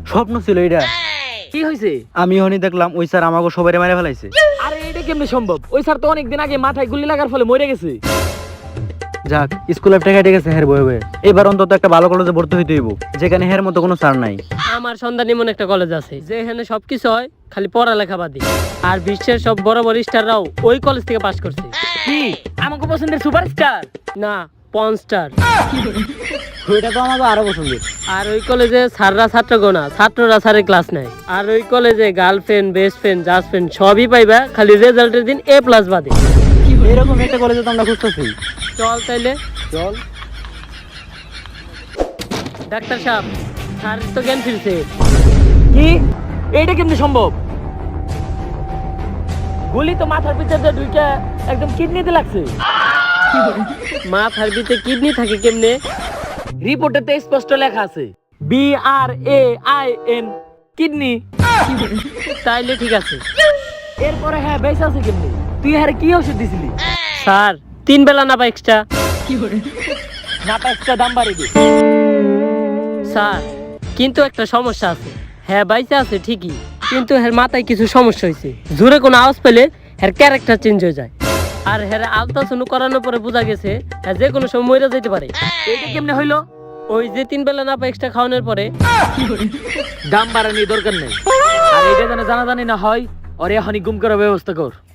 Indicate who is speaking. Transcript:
Speaker 1: স্বপ্ন ছিল এটা।
Speaker 2: কি হয়েছে?
Speaker 1: আমি হনি দেখলাম ওই স্যার আমাকে সবাই মেরে ফেলাইছে।
Speaker 2: আরে এটা কেমনে সম্ভব? ওই স্যার তো অনেকদিন আগে মাথায় গুলি লাগার ফলে মরে গেছে।
Speaker 1: যাক, স্কুল লাইফটা কেটে গেছে হের বয়ে বয়ে। এবার অন্তত একটা ভালো কলেজে ভর্তি হইতে হইব, যেখানে হের মতো কোনো স্যার নাই।
Speaker 3: আমার সন্ধান এমন একটা কলেজ আছে যেখানে সবকিছু হয়, খালি পড়ালেখা বাদে। আর বিশ্বের সব বড় বড় স্টাররাও ওই কলেজ থেকে পাশ করছে।
Speaker 2: কি আমাকে পছন্দের সুপারস্টার?
Speaker 3: না, পর্ন স্টার।
Speaker 1: ওইটা তো আমাকে আরো পছন্দের।
Speaker 3: আর ওই কলেজে স্যাররা ছাত্রগণ না, ছাত্ররা স্যারের ক্লাস নেয়। আর ওই কলেজে girlfriend, best friend, just friend সবই পাইবা, খালি রেজাল্টের দিন A+ বাদে।
Speaker 1: এরকম একটা কলেজে তো আমরা খুঁজতেছি।
Speaker 3: চল তাইলে।
Speaker 1: চল।
Speaker 3: ডাক্তার সাহেব, স্যার তো জ্ঞান ফিরছে।
Speaker 2: কি এটা কেমনে সম্ভব? গুলি তো মাথার ভিতরে ঢুকে একদম কিডনিতে লাগছে।
Speaker 3: মাথার ভিতরে কিডনি থাকে কেমনে?
Speaker 2: রিপোর্টে তো স্পষ্ট লেখা আছে BRAIN কিডনি।
Speaker 3: তাইলে ঠিক আছে।
Speaker 2: এরপরে হ্যাঁ বেঁচে আছে কেমনে? তুই হ্যাঁ কি ওষুধ দিছিলি?
Speaker 3: স্যার 3 বেলা না বা এক্সট্রা।
Speaker 2: না পা extra দাম বাড়িয়ে দে।
Speaker 3: স্যার কিন্তু একটা সমস্যা আছে। হ্যাঁ বাইসে আছে ঠিকই, কিন্তু এর মাথায় কিছু সমস্যা হয়েছে। জোরে কোনো আওয়াজ পেলে এর ক্যারেক্টার চেঞ্জ হয়ে যায়। আর হের আলট্রাসাউন্ড করানোর পরে বোঝা গেছে হ্যাঁ যে কোনো সময় মরে যেতে পারে।
Speaker 2: এটা কেমনে হইলো?
Speaker 3: ওই যে 3 বেলা না বা এক্সট্রা খাওয়ানোর পরে।
Speaker 2: দাম বাড়ানোর দরকার নেই। আর এটা যেন জানাজানি না হয়, ওর এখনই গুম করার ব্যবস্থা কর।